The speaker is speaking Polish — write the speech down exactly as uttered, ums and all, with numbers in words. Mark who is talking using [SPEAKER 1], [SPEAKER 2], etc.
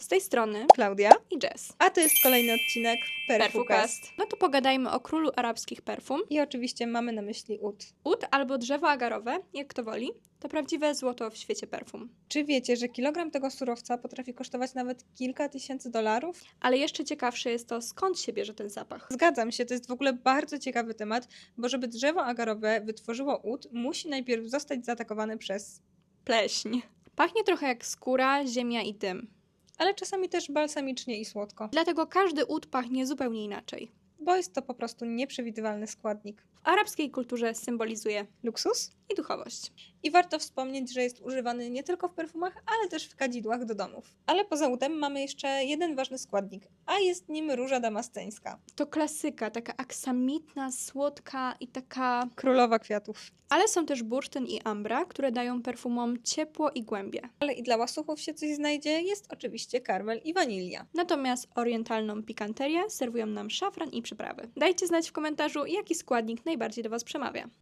[SPEAKER 1] Z tej strony
[SPEAKER 2] Klaudia.
[SPEAKER 1] i Jess.
[SPEAKER 2] A to jest kolejny odcinek Perfukast.
[SPEAKER 1] Perfukast. No to pogadajmy o królu arabskich perfum.
[SPEAKER 2] I oczywiście mamy na myśli ud.
[SPEAKER 1] Ud albo drzewo agarowe, jak kto woli, to prawdziwe złoto w świecie perfum.
[SPEAKER 2] Czy wiecie, że kilogram tego surowca potrafi kosztować nawet kilka tysięcy dolarów?
[SPEAKER 1] Ale jeszcze ciekawsze jest to, skąd się bierze ten zapach.
[SPEAKER 2] Zgadzam się, to jest w ogóle bardzo ciekawy temat, bo żeby drzewo agarowe wytworzyło ud, musi najpierw zostać zaatakowane przez...
[SPEAKER 1] Pleśń. Pachnie trochę jak skóra, ziemia i dym.
[SPEAKER 2] ale czasami też balsamicznie i słodko,
[SPEAKER 1] Dlatego każdy ud pachnie zupełnie inaczej.
[SPEAKER 2] bo jest to po prostu nieprzewidywalny składnik.
[SPEAKER 1] W arabskiej kulturze symbolizuje
[SPEAKER 2] Luksus?
[SPEAKER 1] i duchowość.
[SPEAKER 2] I warto wspomnieć, że jest używany nie tylko w perfumach, ale też w kadzidłach do domów. Ale poza udem mamy jeszcze jeden ważny składnik, a jest nim róża damasceńska.
[SPEAKER 1] To klasyka, taka aksamitna, słodka i taka...
[SPEAKER 2] Królowa kwiatów.
[SPEAKER 1] Ale są też bursztyn i ambra, które dają perfumom ciepło i głębie.
[SPEAKER 2] Ale i dla łasuchów się coś znajdzie, jest oczywiście karmel i wanilia.
[SPEAKER 1] Natomiast orientalną pikanterię serwują nam szafran i przyprawy. Dajcie znać w komentarzu, jaki składnik najbardziej do Was przemawia.